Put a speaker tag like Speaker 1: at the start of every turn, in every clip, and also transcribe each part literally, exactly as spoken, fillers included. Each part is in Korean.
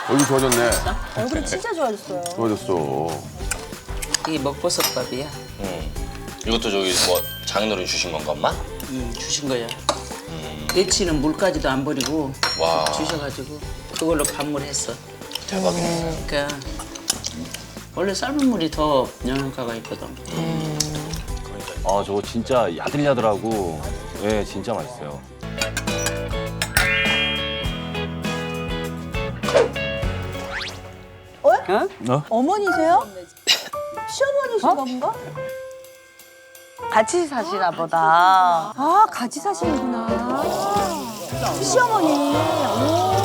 Speaker 1: 얼굴 좋아졌네.
Speaker 2: 얼굴이 진짜 좋아졌어요.
Speaker 1: 좋아졌어.
Speaker 3: 이게 먹버섯밥이야.
Speaker 4: 음. 이것도 저기 뭐 장인어른이 주신 건가, 엄마?
Speaker 3: 음, 주신 거야. 내치는 물까지도 안 버리고
Speaker 4: 와.
Speaker 3: 주셔가지고 그걸로 밥물했어.
Speaker 4: 대박이네.
Speaker 3: 그러니까 원래 삶은 물이 더 영양가가 있거든.
Speaker 5: 아 저거 진짜 야들야들하고 예 진짜 맛있어요.
Speaker 2: 어? 어머니세요? 시어머니신가 본가?
Speaker 6: 같이 사시나 보다.
Speaker 2: 아, 같이 사시는구나. 시어머니. 오.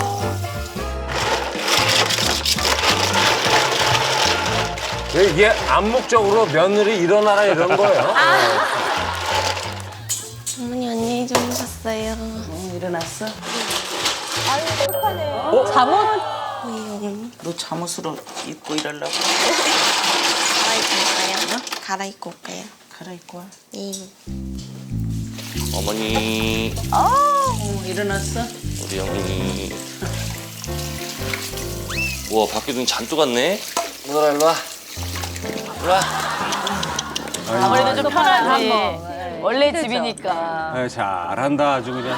Speaker 7: 이게 암묵적으로 며느리 일어나라 이런 거예요.
Speaker 8: 어머니 안녕히 주무셨어요.
Speaker 3: 어, 일어났어?
Speaker 2: 아유, 착하네. 잠옷?
Speaker 8: 네, 어머니.
Speaker 3: 너 잠옷으로 입고 일하려고?
Speaker 8: 갈아입고 올까요? 갈아입고 올까요?
Speaker 3: 갈아입고 와.
Speaker 8: 네.
Speaker 4: 어머니,
Speaker 3: 어, 일어났어?
Speaker 4: 우리 영민이. 우와, 밖에 눈이 잔뜩 왔네. 누나 일로 와. 일로 와.
Speaker 6: 아무래도 좀 편하지. 원래 집이니까.
Speaker 7: 아, 잘한다 아주 그냥.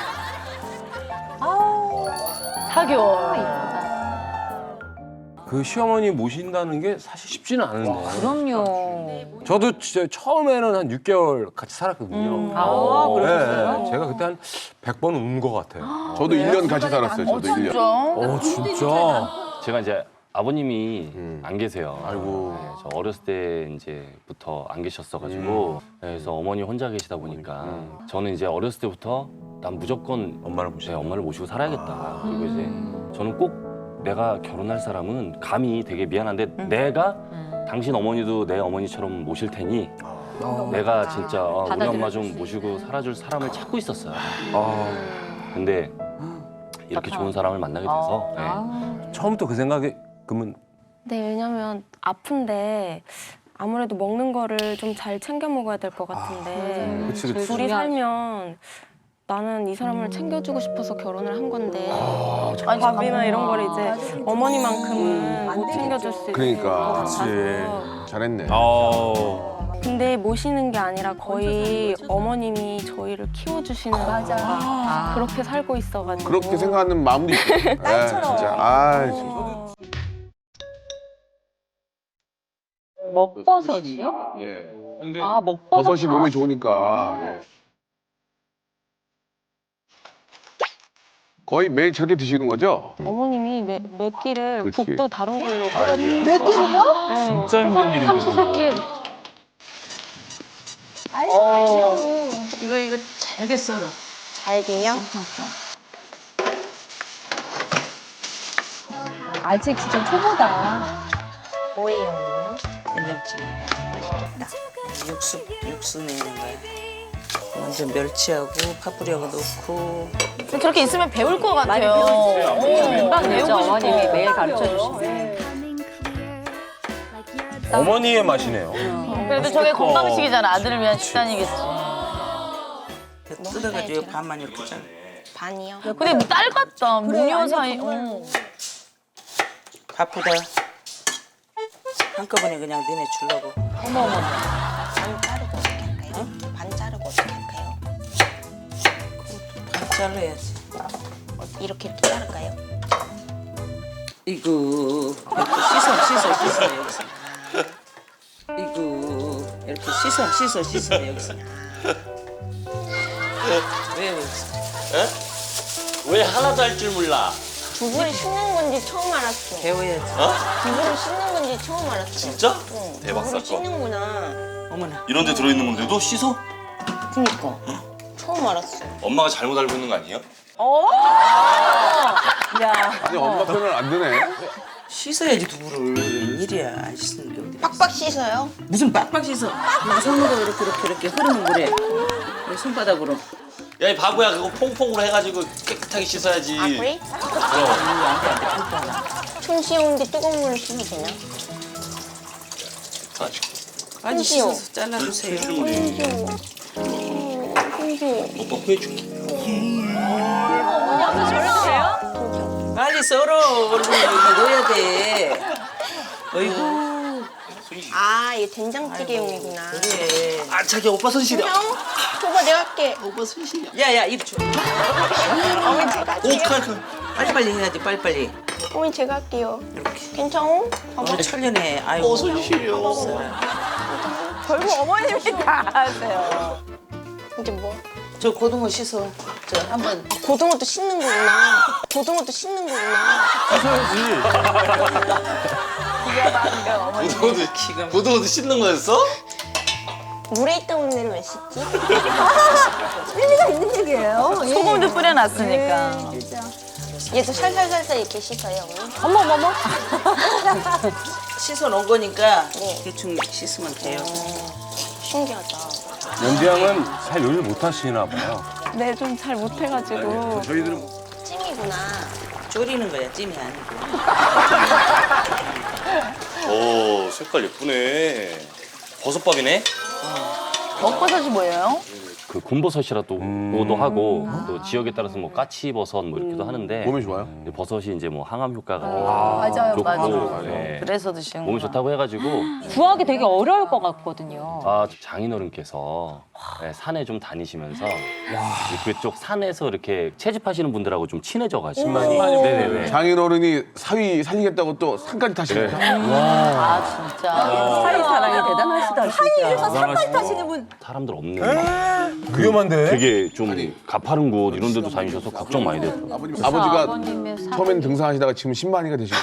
Speaker 6: 사교.
Speaker 7: 그 시어머니 모신다는 게 사실 쉽지는 않은데.
Speaker 6: 그럼요.
Speaker 7: 저도 진짜 처음에는 한 육 개월 같이 살았거든요.
Speaker 6: 아, 그러셨어요?
Speaker 7: 네, 제가 그때 한 백 번 운 것 같아요.
Speaker 1: 저도 일 년 같이 살았어요. 저도 일 년.
Speaker 7: 어, 진짜?
Speaker 5: 제가 이제 아버님이
Speaker 1: 음.
Speaker 5: 안 계세요.
Speaker 1: 아이고.
Speaker 5: 네, 저 어렸을 때 이제부터 안 계셨어가지고 그래서 어머니 혼자 계시다 보니까 저는 이제 어렸을 때부터 난 무조건
Speaker 7: 엄마를
Speaker 5: 제
Speaker 7: 모시고.
Speaker 5: 엄마를 모시고 살아야겠다. 그리고 이제 저는 꼭 내가 결혼할 사람은 감히 되게 미안한데 내가 당신 어머니도 내 어머니처럼 모실 테니 내가 진짜 어, 우리 엄마 좀 모시고 살아줄 사람을 찾고 있었어요.
Speaker 7: 아,
Speaker 5: 근데 이렇게 좋은 사람을 만나게 돼서 네.
Speaker 7: 처음부터 그 생각이 그러면
Speaker 8: 네, 왜냐면 아픈데 아무래도 먹는 거를 좀 잘 챙겨 먹어야 될 것 같은데
Speaker 7: 그치 그치.
Speaker 8: 둘이 살면 나는 이 사람을 챙겨주고 싶어서 결혼을 한 건데
Speaker 6: 아니,
Speaker 8: 밥이나 이런 걸 이제
Speaker 2: 맞아.
Speaker 8: 어머니만큼은
Speaker 2: 안
Speaker 8: 못
Speaker 2: 되겠죠.
Speaker 8: 챙겨줄 수 있을
Speaker 1: 그러니까.
Speaker 8: 것
Speaker 7: 그치.
Speaker 8: 같아서
Speaker 1: 잘했네.
Speaker 7: 어.
Speaker 8: 근데 모시는 게 아니라 거의 어머님이 저희를 키워주시는
Speaker 2: 맞아.
Speaker 8: 거가 그렇게 살고 있어가지고
Speaker 1: 그렇게 생각하는 마음도 있고. 에,
Speaker 2: 딸처럼.
Speaker 1: 진짜. 아, 진짜.
Speaker 6: 먹버섯이요?
Speaker 1: 예.
Speaker 6: 아, 먹버섯.
Speaker 1: 버섯이 몸에 좋으니까. 예. 거의 매일 저렇게 드시는 거죠?
Speaker 8: 어머님이 매, 몇 끼를
Speaker 1: 그치.
Speaker 8: 국도 다른 걸로
Speaker 1: 아이고.
Speaker 2: 몇 끼를요?
Speaker 8: 네.
Speaker 7: 진짜 힘든 일인데.
Speaker 2: 아이고.
Speaker 3: 이거 이거 잘게 썰어.
Speaker 8: 잘게요?
Speaker 2: 아직 진짜 초보다.
Speaker 8: 뭐예요?
Speaker 3: 된장찌개. 육수 육수 내는 거야. 먼저 멸치하고 파프리하고 넣고.
Speaker 6: 저렇게 있으면 배울 것 같아요. 어, 금방 배우고 싶어. 어머님이 매일 가르쳐 주시네.
Speaker 7: 어머니의 맛이네요.
Speaker 6: 그래도 저게 건강식이잖아. 아들을 위한 식단이겠지.
Speaker 3: 뜯어가지고 반만 이렇게 잘라.
Speaker 8: 반이요?
Speaker 6: 근데 뭐 딸 같다.
Speaker 2: 그래,
Speaker 6: 무녀
Speaker 2: 아니요,
Speaker 6: 사이.
Speaker 2: 정말.
Speaker 6: 어.
Speaker 3: 바쁘다. 한꺼번에 그냥 너네 주려고.
Speaker 8: 반 자르고 어떻게 할까요? 반 자르고 어떻게 할까요?
Speaker 3: 반 잘라야지.
Speaker 8: 이렇게 이렇게 자를까요?
Speaker 3: 이거 이렇게 씻어 씻어 씻어 여기서. 이거 이렇게 씻어 씻어 씻어 여기서. 왜 여기서?
Speaker 4: 왜 하나도 할 줄 몰라?
Speaker 8: 두부를 씻는 건지 처음 알았어.
Speaker 3: 배워야지.
Speaker 8: 두부를 씻는 건지 처음 알았어.
Speaker 4: 진짜?
Speaker 8: 응.
Speaker 4: 대박
Speaker 8: 두부를
Speaker 4: 사건.
Speaker 8: 씻는구나.
Speaker 3: 어머나.
Speaker 4: 이런 데 들어있는 건데도 씻어?
Speaker 8: 그니까. 처음 알았어.
Speaker 4: 엄마가 잘못 알고 있는 거 아니에요?
Speaker 1: 아니, 엄마 편은 안 드네.
Speaker 3: 씻어야지 두부를. 웬일이야 안 씻는 게 어디.
Speaker 8: 빡빡 씻어요?
Speaker 3: 무슨 빡빡 씻어. 그냥 손으로 이렇게 이렇게 이렇게 흐르는 물에 이 손바닥으로.
Speaker 4: 야, 이 바보야, 그거 퐁퐁으로 해가지고 깨끗하게 씻어야지.
Speaker 8: 아 그래?
Speaker 4: 그럼.
Speaker 3: 안돼 안돼 팽팽하나.
Speaker 8: 손 씻는데 뜨거운 물을 씻어도 되나?
Speaker 3: 아니
Speaker 8: 손
Speaker 3: 씻어서 잘라주세요.
Speaker 8: 손 씻어. 손 씻어.
Speaker 4: 오빠 구해줄게.
Speaker 6: 저렇게 돼요?
Speaker 8: 그죠?
Speaker 3: 빨리 썰어. 얼른 여기 넣어야 돼. 어이구.
Speaker 8: 아, 이게 된장찌개용이구나.
Speaker 3: 그래.
Speaker 4: 아 자기 오빠 손 시려.
Speaker 8: 형, 오빠 내가 할게.
Speaker 3: 오빠 손 시려. 야야 이리 줘.
Speaker 8: 어머니 제가 할게요.
Speaker 3: 오칼. 빨리빨리 해야지 빨리빨리.
Speaker 8: 어머니 제가 할게요.
Speaker 3: 이렇게.
Speaker 8: 괜찮아?
Speaker 3: 어 철련해. 아이고. 손 시려.
Speaker 6: 결국 어머님이 다 하세요.
Speaker 8: 이제 뭐?
Speaker 3: 저 고등어 씻어. 저 한번.
Speaker 8: 아, 고등어도 씻는 거구나. 고등어도 씻는 거구나.
Speaker 4: 고등어도
Speaker 3: 기가
Speaker 4: 고등어도 씻는 거였어?
Speaker 8: 물에 있다 온 애를 왜 씻지?
Speaker 2: 의미가 있는 얘기예요. 예.
Speaker 6: 소금도 뿌려놨으니까.
Speaker 8: 얘도 살살살살 이렇게 씻어요, 어머니.
Speaker 6: 어머 어머 어머.
Speaker 3: 씻어 놓은 거니까
Speaker 8: 네.
Speaker 3: 대충 씻으면 돼요.
Speaker 8: 신기하다.
Speaker 7: 연지 양은 잘 요리를 못 하시나 봐요.
Speaker 8: 네, 좀 잘 못해가지고.
Speaker 7: 저희들은
Speaker 8: 찜이구나.
Speaker 3: 졸이는 거야 찜이 아니고.
Speaker 4: 오 색깔 예쁘네. 버섯밥이네.
Speaker 6: 먹버섯이 뭐예요?
Speaker 5: 그 군버섯이라도
Speaker 7: 음.
Speaker 5: 하고 또 지역에 따라서 뭐 까치버섯 뭐 이렇게도 하는데
Speaker 1: 몸에 좋아요?
Speaker 5: 버섯이 이제 뭐 항암 효과가
Speaker 2: 맞아요,
Speaker 5: 좋고
Speaker 2: 맞아요.
Speaker 5: 네.
Speaker 6: 그래서 드시는
Speaker 5: 몸에 좋다고 해가지고
Speaker 6: 구하기 되게 어려울 것 같거든요.
Speaker 5: 아 장인어른께서 네, 산에 좀 다니시면서 그쪽 산에서 이렇게 채집하시는 분들하고 좀 친해져가지고 네네네.
Speaker 1: 장인어른이 사위 살리겠다고 또 산까지 타시니까.
Speaker 6: 아 진짜.
Speaker 2: 사이 사랑이 대단하시다. 사이에서
Speaker 7: 대단하시다.
Speaker 2: 산까지 타시는 분.
Speaker 5: 사람들 없는
Speaker 7: 위험한데.
Speaker 5: 되게 좀 가파른 곳 이런 데도 다니셔서 걱정 많이 되더라고요.
Speaker 1: 아버님, 아버지가
Speaker 6: 아버님의 사-
Speaker 1: 처음엔 등산하시다가 지금 신만이가 되시고.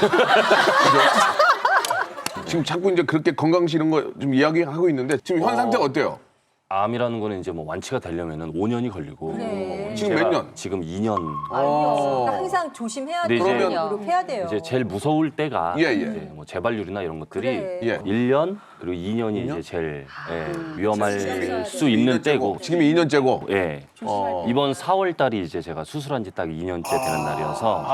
Speaker 1: 지금 자꾸 이제 그렇게 건강식 이런 거 좀 이야기하고 있는데 지금 현 상태가 어때요?
Speaker 5: 암이라는 거는 이제 뭐 완치가 되려면은 오 년이 걸리고
Speaker 2: 그래.
Speaker 1: 지금
Speaker 5: 제가
Speaker 1: 몇 년?
Speaker 5: 지금 이 년.
Speaker 2: 아니요. 그러니까 항상 조심해야
Speaker 5: 네,
Speaker 2: 돼요.
Speaker 5: 이제-
Speaker 2: 그러면 노력해야 돼요.
Speaker 5: 이제 제일 무서울 때가
Speaker 1: 예, 예.
Speaker 5: 이제 뭐 재발률이나 이런 것들이
Speaker 2: 그래.
Speaker 1: 예.
Speaker 5: 일 년 그리고 이 년이 이제 제일 예, 위험할 수 있는 때고
Speaker 1: 지금이 이 년째고.
Speaker 5: 예.
Speaker 1: 어.
Speaker 5: 이번 사월 달이 이제 제가 수술한 지 딱 이 년째 되는 날이어서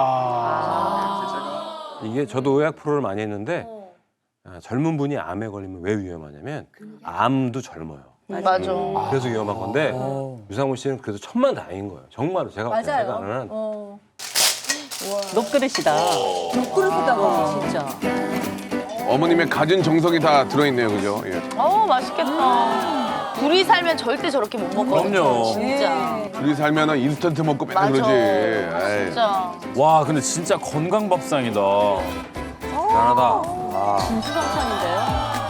Speaker 7: 이게 저도 의학 프로를 많이 했는데 아, 젊은 분이 암에 걸리면 왜 위험하냐면 암도 젊어요.
Speaker 6: 맞아.
Speaker 7: 그래서 위험한 건데 유상무 씨는 그래도 천만다행인 거예요. 정말로 제가
Speaker 2: 맞아요.
Speaker 7: 제가 아는
Speaker 2: 어.
Speaker 6: 녹그릇이다.
Speaker 2: 부끄럽다고.
Speaker 6: 진짜.
Speaker 1: 어머님의 갖은 정성이 다 들어있네요, 그죠? 예.
Speaker 6: 어우 맛있겠다. 둘이 살면 절대 저렇게 못 먹거든요.
Speaker 7: 그럼요.
Speaker 6: 진짜.
Speaker 1: 둘이 살면은 인스턴트 먹고 맨날
Speaker 6: 맞아.
Speaker 1: 그러지. 에이.
Speaker 6: 진짜.
Speaker 9: 와 근데 진짜 건강 밥상이다.
Speaker 7: 대단하다.
Speaker 6: 진수성찬인데요?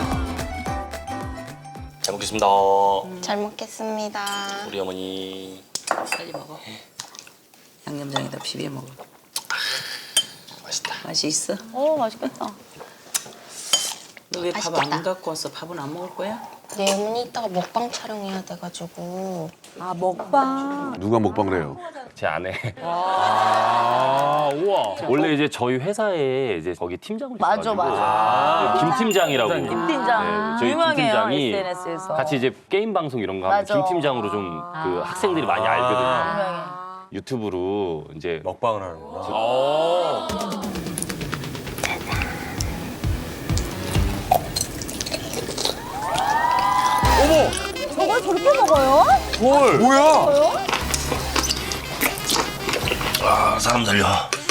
Speaker 4: 잘 먹겠습니다.
Speaker 8: 잘 먹겠습니다.
Speaker 4: 우리 어머니.
Speaker 3: 빨리 먹어. 양념장에다 비벼 먹어.
Speaker 4: 맛있다.
Speaker 3: 맛이 있어?
Speaker 6: 어 맛있겠다.
Speaker 3: 너 왜 밥
Speaker 8: 맛있겠다.
Speaker 3: 안 갖고 왔어? 밥은 안 먹을 거야?
Speaker 8: 네, 어머니 이따가 먹방 촬영해야 돼가지고.
Speaker 2: 아, 먹방.
Speaker 1: 누가 먹방을 해요?
Speaker 5: 제 아내
Speaker 9: 아 우와.
Speaker 5: 원래 이제 저희 회사에 이제 거기 팀장을
Speaker 6: 맞아,
Speaker 5: 있어가지고
Speaker 6: 맞아.
Speaker 5: 김 팀장이라고
Speaker 6: 김 팀장.
Speaker 5: 네, 저희 김
Speaker 6: 유명해요
Speaker 5: 팀장이
Speaker 6: 에스엔에스에서.
Speaker 5: 같이 이제 게임 방송 이런 거 하면
Speaker 6: 맞아.
Speaker 5: 김 팀장으로 좀 그 학생들이 많이 알거든요.
Speaker 6: 유명해.
Speaker 5: 유튜브로 이제
Speaker 7: 먹방을 하는구나.
Speaker 9: 어.
Speaker 2: 저걸 저렇게 먹어요?
Speaker 9: 헐.
Speaker 7: 뭐야?
Speaker 4: 아 사람 살려.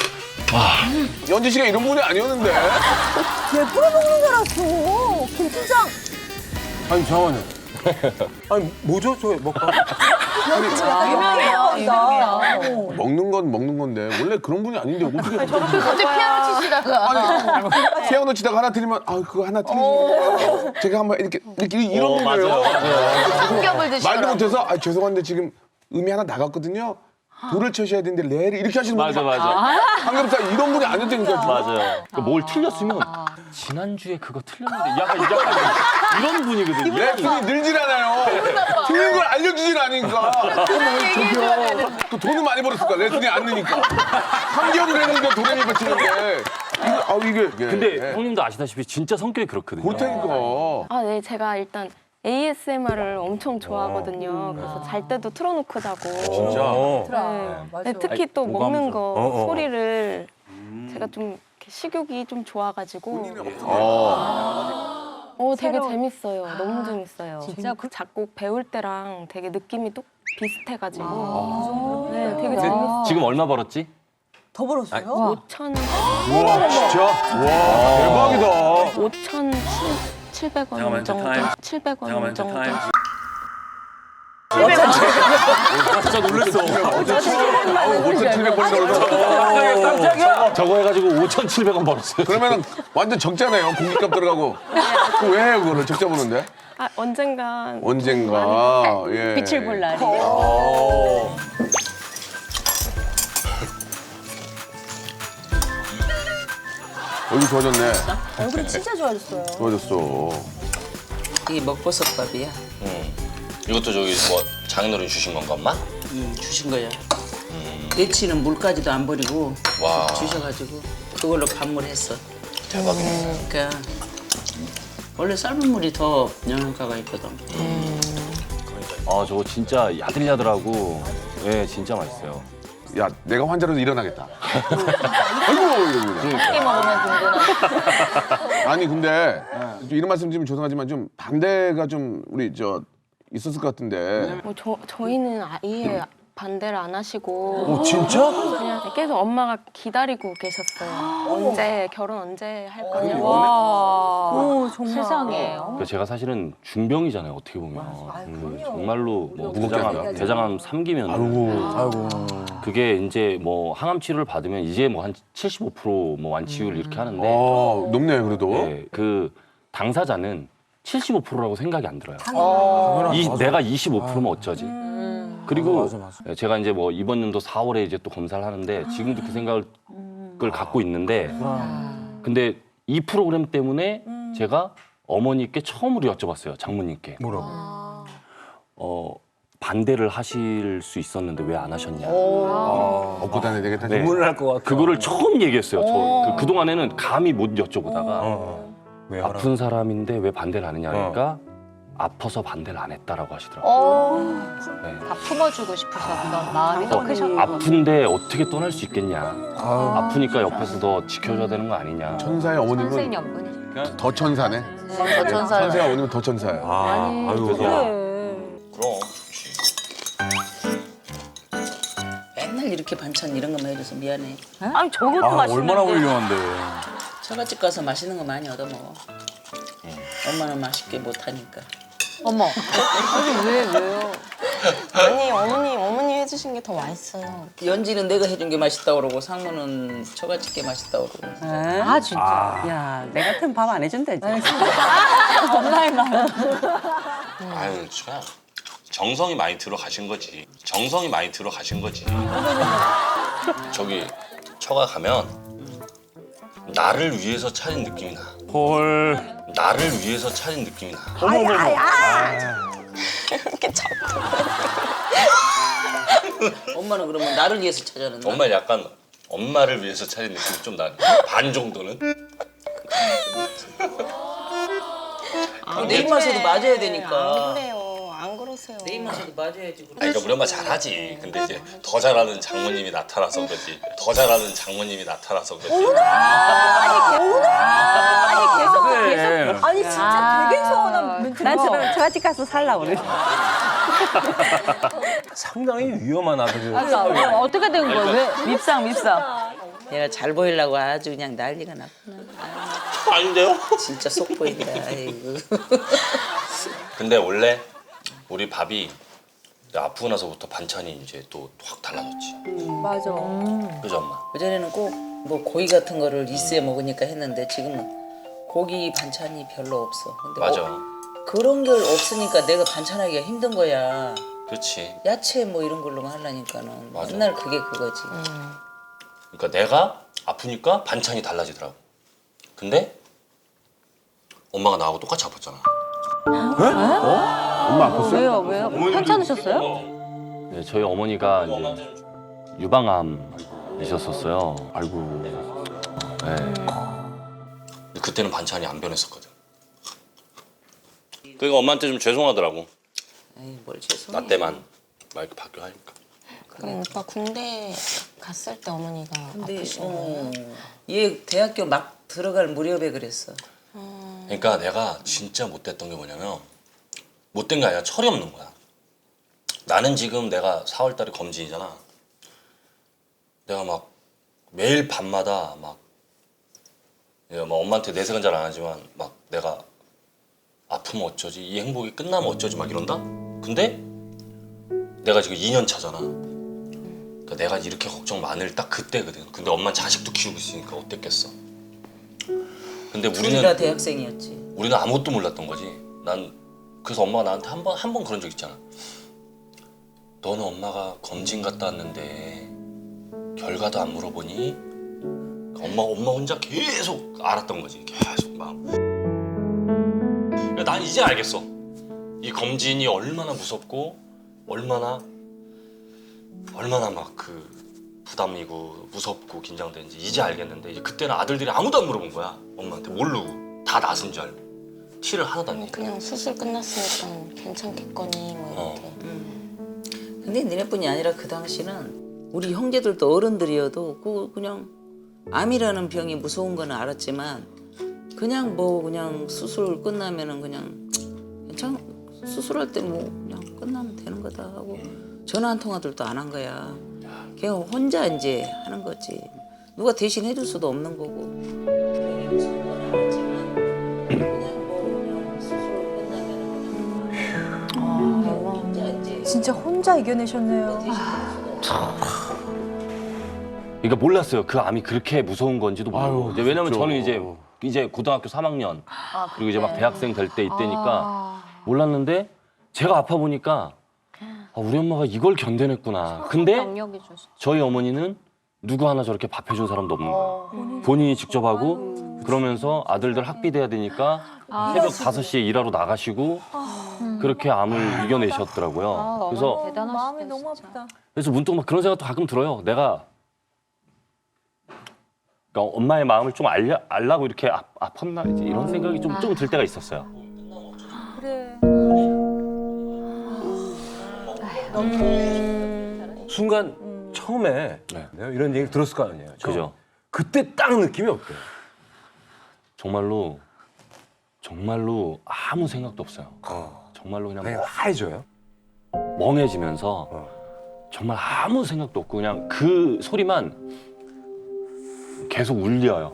Speaker 1: 연지 씨가 이런 분이 아니었는데.
Speaker 2: 왜 풀어먹는 줄 알았어. 김팀장.
Speaker 7: 아니 잠깐만요. 아니 뭐죠 저 먹방?
Speaker 6: 유명해요. 유명해요.
Speaker 1: 먹는 건 먹는 건데 원래 그런 분이 아닌데 어떻게
Speaker 6: 저렇게 갑자기 피아노 치시다가.
Speaker 1: 피아노 치다가 하나 틀리면 아 그거 하나 틀리시면 제가 한번 이렇게 이렇게 이런 분이에요.
Speaker 6: 삼겹을 드시더라고요.
Speaker 1: 말도 못해서 아 죄송한데 지금 음이 하나 나갔거든요. 도를 쳐셔야 되는데 레를 이렇게 하시는 분이
Speaker 5: 맞아 맞아
Speaker 1: 삼겹살 이런 분이 아니었다니까.
Speaker 5: 맞아요. 그러니까 뭘 틀렸으면 지난주에 그거 틀렸는데 약간 약간 이런 분이거든요.
Speaker 1: 레슨이 늘질 않아요. 틀린 걸 알려주질 않으니까. 저기요. 그 돈은 많이 벌었을까? 레슨이 안 느니까. 삼 개월을 했는데 도레미가 치는데. 이거, 아, 이게.
Speaker 5: 근데
Speaker 1: 예.
Speaker 5: 형님도 아시다시피 진짜 성격이 그렇거든요.
Speaker 1: 그렇다니까.
Speaker 8: 아, 네, 제가 일단 에이에스엠알을 엄청 좋아하거든요. 그래서 잘 때도 틀어놓고 자고.
Speaker 7: 진짜.
Speaker 2: 네, 맞아.
Speaker 8: 네, 특히 또
Speaker 9: 오감정.
Speaker 8: 먹는 거
Speaker 7: 어, 어.
Speaker 8: 소리를 제가 좀 이렇게 식욕이 좀 좋아가지고
Speaker 1: 어.
Speaker 8: 어 되게 재밌어요. 너무 재밌어요.
Speaker 2: 진짜
Speaker 8: 그 작곡 배울 때랑 되게 느낌이 또 비슷해가지고
Speaker 2: 아,
Speaker 8: 네, 되게
Speaker 2: 야.
Speaker 8: 재밌어요.
Speaker 5: 지금 얼마 벌었지?
Speaker 2: 더 벌었어요?
Speaker 8: 오천
Speaker 1: 와 진짜? 와 대박이다.
Speaker 8: 오천칠백 원
Speaker 9: 잠깐만,
Speaker 8: 정도.
Speaker 9: 타임.
Speaker 8: 칠백 원
Speaker 9: 잠깐만
Speaker 8: 정도.
Speaker 9: 타임. 진짜 놀랐어.
Speaker 1: 오천칠백 번이라고.
Speaker 5: 저거 해가지고 오천칠백 원 벌었어요.
Speaker 1: 그러면은 완전 적자네요. 공깃값 들어가고. 그 왜 해요 그거를 적자 보는데?
Speaker 8: 아, 언젠간
Speaker 1: 언젠가 예.
Speaker 6: 빛을 볼 날이.
Speaker 1: 얼굴 좋아졌네.
Speaker 2: 얼굴이 진짜 좋아졌어요.
Speaker 1: 좋아졌어.
Speaker 3: 이게 먹버섯밥이야.
Speaker 4: 음. 이것도 저기 뭐 장인어른이 주신 건가 엄마?
Speaker 3: 음, 주신 거야. 예치는 물까지도 안 버리고
Speaker 4: 와
Speaker 3: 주셔가지고 그걸로 밥물했어.
Speaker 4: 대박이네.
Speaker 3: 그러니까 원래 삶은 물이 더 영양가가 있거든.
Speaker 5: 아 저거 진짜 야들야들하고 예 진짜 맛있어요.
Speaker 1: 야 내가 환자로도 일어나겠다. 아이고 이러고 그냥.
Speaker 6: 함께 먹으면 든든하다.
Speaker 1: 아니 근데 좀 이런 말씀 드리면 죄송하지만 좀 반대가 좀 우리 저 있었을 것 같은데.
Speaker 8: 뭐 저, 저희는 아예 반대를 안 하시고
Speaker 1: 오 진짜?
Speaker 8: 그냥 계속 엄마가 기다리고 계셨어요. 언제 결혼 언제 할 거냐고.
Speaker 6: 와.
Speaker 2: 오, 정말.
Speaker 6: 세상에.
Speaker 5: 그러니까 제가 사실은 중병이잖아요 어떻게 보면. 음, 정말로 뭐
Speaker 1: 무겁게
Speaker 5: 대장암,
Speaker 1: 하죠.
Speaker 5: 대장암 삼 기면
Speaker 1: 아이고.
Speaker 5: 그게 이제 뭐 항암 치료를 받으면 이제 뭐 한 칠십오 퍼센트 뭐 완치율 이렇게 하는데
Speaker 1: 어 높네요 그래도.
Speaker 5: 예, 그 당사자는 칠십오 퍼센트라고 생각이 안 들어요.
Speaker 6: 어.
Speaker 5: 이, 내가 이십오 퍼센트면 어쩌지? 그리고 제가 이제 뭐 이번 연도 사월에 이제 또 검사를 하는데 지금도 그 생각을 갖고 있는데 근데 이 프로그램 때문에 제가 어머니께 처음으로 여쭤봤어요. 장모님께.
Speaker 1: 뭐라고?
Speaker 5: 어, 반대를 하실 수 있었는데 왜 안 하셨냐.
Speaker 1: 업고 다녀야 되겠다.
Speaker 5: 네.
Speaker 7: 눈물 날 것 같아.
Speaker 5: 그거를 처음 얘기했어요. 저 그, 그동안에는 감히 못 여쭤보다가
Speaker 7: 어. 왜 하라?
Speaker 5: 아픈 사람인데 왜 반대를 안 했냐 그러니까 아파서 반대를 안 했다라고 하시더라고요.
Speaker 6: 어.
Speaker 5: 네.
Speaker 6: 다 품어주고 싶으셨던 마음이 더 크셨고.
Speaker 5: 아픈데 어떻게 떠날 수 있겠냐. 아프니까 옆에서 더 지켜줘야 되는 거 아니냐.
Speaker 1: 천사의 어머님은
Speaker 6: 선생연분이.
Speaker 1: 더 천사네.
Speaker 6: 더 천사를.
Speaker 1: 천사의 어머님은 더 천사야.
Speaker 7: 아, 아유,
Speaker 5: 그래서
Speaker 4: 그럼 좋지.
Speaker 3: 맨날 이렇게 반찬 이런 것만 해줘서 미안해.
Speaker 6: 아니 저것도
Speaker 9: 아,
Speaker 6: 맛있는데.
Speaker 9: 얼마나 훌륭한데.
Speaker 3: 처갓집 가서 맛있는 거 많이 얻어 먹어. 엄마는 맛있게 못하니까.
Speaker 6: 어머. 아니 왜 왜요?
Speaker 8: 아니 어머니 어머니 해주신 게 더 맛있어요.
Speaker 3: 연지는 내가 해준 게 맛있다 그러고 상무는 처갓집 게 맛있다 그러고.
Speaker 6: 아 진짜.
Speaker 3: 야, 내 같은 밥 안 해준다 이제.
Speaker 6: 엄마의 마음.
Speaker 4: 아유 진짜 정성이 많이 들어가신 거지. 정성이 많이 들어가신 거지. 저기 처가 가면 나를 위해서 차린 느낌이 나.
Speaker 9: 헐.
Speaker 4: 나를 위해서 차린 느낌이 나.
Speaker 8: 이렇게 자꾸.
Speaker 3: 엄마는 그러면 나를 위해서 찾아낸다.
Speaker 4: 엄마 약간 엄마를 위해서 차린 느낌이 좀 나네. 반 정도는.
Speaker 3: 내 입맛에도 맞아야
Speaker 8: 안
Speaker 3: 되니까.
Speaker 8: 그래요. 안 그러세요.
Speaker 3: 내 입맛에도 맞아야지.
Speaker 4: 아니, 그러니까 우리 엄마 잘하지. 근데 이제 더 잘하는 장모님이 나타나서 그렇지. 더 잘하는 장모님이 나타나서 그렇지.
Speaker 6: 아니 계속 계속.
Speaker 2: 아니, 진짜 되게 서운한 멘트.
Speaker 6: 난 저런 처갓집 가서 살라 그래.
Speaker 7: 상당히 위험한 아들.
Speaker 6: 그러니까 어떻게 된 거야? 왜 밉상 밉상.
Speaker 3: 내가 잘 보이려고 아주 그냥 난리가 났구나. 아유,
Speaker 4: 아닌데요?
Speaker 3: 진짜 속 보인다. 아이고.
Speaker 4: 근데 원래 우리 밥이 아프고 나서부터 반찬이 이제 또 확 달라졌지.
Speaker 2: 맞아.
Speaker 4: 그죠 엄마?
Speaker 3: 그전에는 꼭 뭐 고기 같은 거를 있어야 먹으니까 했는데 지금은 고기 반찬이 별로 없어. 근데
Speaker 4: 맞아.
Speaker 3: 어, 그런 게 없으니까 내가 반찬하기가 힘든 거야.
Speaker 4: 그렇지.
Speaker 3: 야채 뭐 이런 걸로만 하려니까는
Speaker 4: 맞아.
Speaker 3: 맨날 그게 그거지.
Speaker 4: 그러니까 내가 아프니까 반찬이 달라지더라고. 근데 엄마가 나하고 똑같이 아팠잖아.
Speaker 1: 엄마 아팠어요?
Speaker 6: 왜요 왜요? 괜찮으셨어요?
Speaker 5: 네, 저희 어머니가 이제 유방암이셨었어요. 아이고. 네.
Speaker 4: 근데 그때는 반찬이 안 변했었거든. 그러니까 엄마한테 좀 죄송하더라고.
Speaker 3: 에이, 뭘 죄송해.
Speaker 4: 나 때만 막 이렇게 바뀌어 하니까.
Speaker 8: 그럼 오빠 군대 갔을 때 어머니가
Speaker 3: 근데
Speaker 8: 아프신
Speaker 3: 어,
Speaker 8: 거예요?
Speaker 3: 얘 대학교 막 들어갈 무렵에 그랬어.
Speaker 4: 그러니까 내가 진짜 못됐던 게 뭐냐면 못된 게 아니라 철이 없는 거야. 나는 지금 내가 사월 달에 검진이잖아. 내가 막 매일 밤마다 막, 내가 막 엄마한테 내색은 잘 안 하지만 막 내가 아프면 어쩌지, 이 행복이 끝나면 어쩌지 막 이런다? 근데 내가 지금 이 년 차잖아. 그러니까 내가 이렇게 걱정 많을 딱 그때거든. 근데 엄마는 자식도 키우고 있으니까 어땠겠어. 근데 우리는
Speaker 3: 둘이나 대학생이었지.
Speaker 4: 우리는 아무것도 몰랐던 거지. 난 그래서 엄마가 나한테 한 번 한 번 그런 적 있잖아. 너는 엄마가 검진 갔다 왔는데 결과도 안 물어보니? 엄마 엄마 혼자 계속 알았던 거지. 계속 막. 그러니까 난 이제 알겠어. 이 검진이 얼마나 무섭고 얼마나 얼마나 막 그 부담이고 무섭고 긴장되는지 이제 알겠는데 이제 그때는 아들들이 아무도 안 물어본 거야. 엄마한테 모르고 다 낫은 줄 알고 티를 하나도 안 내고.
Speaker 8: 그냥 수술 끝났으니까 괜찮겠거니 뭐 이렇게.
Speaker 3: 음. 근데 너네뿐이 아니라 그 당시는 우리 형제들도 어른들이어도 그 그냥 암이라는 병이 무서운 건 알았지만 그냥 뭐 그냥 수술 끝나면은 그냥 괜찮 수술할 때 뭐 그냥 끝나면 되는 거다 하고 전화 한 통화들도 안 한 거야. 걔가 혼자 이제 하는 거지. 누가 대신 해줄 수도 없는 거고.
Speaker 2: 진짜 혼자 이겨내셨네요.
Speaker 5: 그러니까 몰랐어요. 그 암이 그렇게 무서운 건지도 모르고. 이제 왜냐면 저는 이제 이제 고등학교 삼 학년 그리고 이제 막 대학생 될 때 이때니까 몰랐는데 제가 아파 보니까 아, 우리 엄마가 이걸 견뎌냈구나. 근데 저희 어머니는 누구 하나 저렇게 밥 해준 사람도 없는 거예요. 본인이 직접 하고 그러면서 아들들 학비 돼야 되니까 새벽 다섯 시에 일하러 나가시고 그렇게 암을 이겨내셨더라고요. 그래서
Speaker 2: 마음이 너무 아프다.
Speaker 5: 그래서 문득 막 그런 생각도 가끔 들어요. 내가 그러니까 엄마의 마음을 좀 알려, 알라고 이렇게 아, 아팠나 이제 이런 생각이 좀 좀 들 때가 있었어요.
Speaker 2: 그래.
Speaker 7: 순간 처음에
Speaker 5: 네.
Speaker 7: 내가 이런 얘기를 들었을 거 아니에요. 처음.
Speaker 5: 그죠?
Speaker 7: 그때 딱 느낌이 어때요?
Speaker 5: 정말로 정말로 아무 생각도 없어요.
Speaker 7: 어.
Speaker 5: 정말로 그냥
Speaker 7: 그냥 하얘져요?
Speaker 5: 멍해지면서
Speaker 7: 어.
Speaker 5: 정말 아무 생각도 없고 그냥 그 소리만 계속 울려요.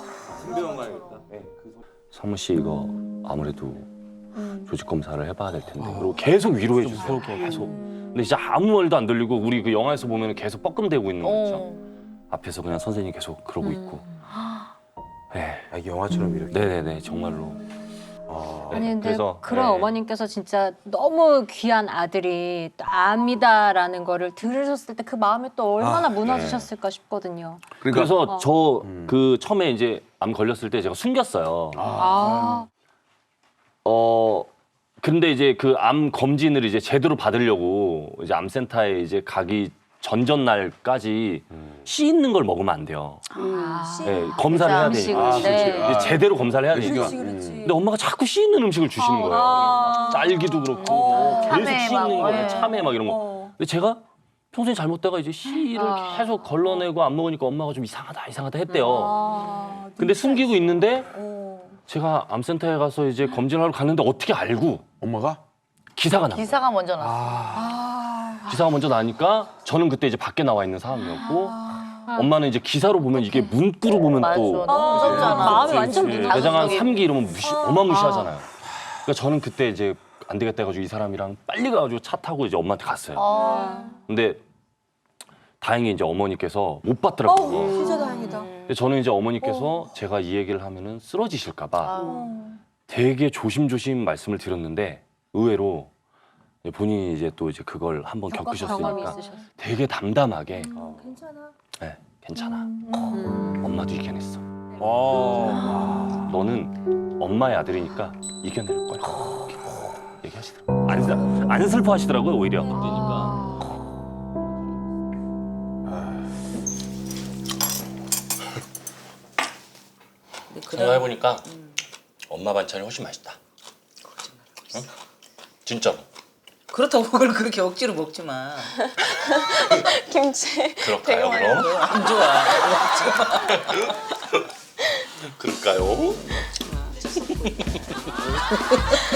Speaker 5: 사무 씨 이거 아무래도 조직 검사를 해봐야 될 텐데 그리고 계속 위로해 주세요. 계속. 근데 진짜 아무 말도 안 들리고 우리 그 영화에서 보면 계속 뻐끔대고 있는 거 있죠. 앞에서 그냥 선생님이 계속 그러고 있고. 네.
Speaker 7: 아, 이게 영화처럼 이렇게.
Speaker 5: 네네네 정말로.
Speaker 7: 아.
Speaker 5: 네,
Speaker 6: 아니 근데
Speaker 5: 그래서,
Speaker 6: 그런
Speaker 5: 네.
Speaker 6: 어머님께서 진짜 너무 귀한 아들이 또 암이다라는 거를 들으셨을 때 그 마음이 또 얼마나
Speaker 7: 아,
Speaker 6: 무너지셨을까 싶거든요.
Speaker 1: 그러니까
Speaker 5: 그래서
Speaker 6: 어.
Speaker 5: 저 그 처음에 이제 암 걸렸을 때 제가 숨겼어요.
Speaker 6: 아,
Speaker 5: 어 근데 이제 그 암 검진을 이제 제대로 받으려고 이제 암센터에 이제 가기 전전 날까지 씨 있는 걸 먹으면 안 돼요.
Speaker 6: 아.
Speaker 5: 네, 검사를 해야
Speaker 6: 음식을,
Speaker 5: 되니까.
Speaker 6: 네.
Speaker 5: 이제 제대로 검사를 해야 되니까.
Speaker 2: 그렇지, 그렇지.
Speaker 5: 근데 엄마가 자꾸 씨 있는 음식을 주시는 거예요.
Speaker 2: 아.
Speaker 5: 짤기도 그렇고 뭐 계속
Speaker 6: 참외
Speaker 5: 씨
Speaker 6: 막,
Speaker 5: 있는 거예요.
Speaker 6: 예.
Speaker 5: 참외 막 이런 거.
Speaker 2: 어.
Speaker 5: 근데 제가 평소에 잘못되가 이제 씨를
Speaker 6: 아.
Speaker 5: 계속 걸러내고 안 먹으니까 엄마가 좀 이상하다 이상하다 했대요.
Speaker 2: 아,
Speaker 5: 근데 숨기고 있는데
Speaker 2: 어.
Speaker 5: 제가 암센터에 가서 이제 검진하러 갔는데 어떻게 알고
Speaker 1: 엄마가
Speaker 5: 기사가 나.
Speaker 6: 기사가 먼저 났어.
Speaker 2: 아.
Speaker 5: 기사가 먼저 나니까 저는 그때 이제 밖에 나와 있는 상황이었고 엄마는 이제 기사로 보면 이게 문구로 보면 또
Speaker 2: 너무 무섭잖아.
Speaker 6: 마음이 완전 무너져.
Speaker 5: 매장 한 삼 기 이러면 무시, 어마무시하잖아요. 그러니까 저는 그때 이제 안 되겠다 해가지고 이 사람이랑 빨리 가가지고 차 타고 이제 엄마한테 갔어요. 근데 다행히 이제 어머니께서 못 받더라고요.
Speaker 2: 어, 진짜 다행이다.
Speaker 5: 근데 저는 이제 어머니께서 제가 이 얘기를 하면은 쓰러지실까봐 되게 조심조심 말씀을 드렸는데 의외로 본인이 이제 또 이제 그걸 한번
Speaker 6: 경험이
Speaker 5: 겪으셨으니까
Speaker 6: 있으셨어.
Speaker 5: 되게 담담하게
Speaker 2: 괜찮아.
Speaker 5: 네, 괜찮아. 엄마도 이겨냈어.
Speaker 7: 아.
Speaker 5: 너는 엄마의 아들이니까 이겨낼 거야. 이렇게 얘기하시더라고요. 안, 슬- 안 슬퍼하시더라고요 오히려. 그러니까.
Speaker 3: 근데 그런-
Speaker 4: 생각해보니까 엄마 반찬이 훨씬 맛있다. 응? 진짜로.
Speaker 3: 그렇다고 그걸 그렇게 억지로 먹지 마.
Speaker 8: 김치.
Speaker 4: 그럴까요 그럼?
Speaker 3: 그거 안 좋아. 먹지 마.
Speaker 4: 그럴까요?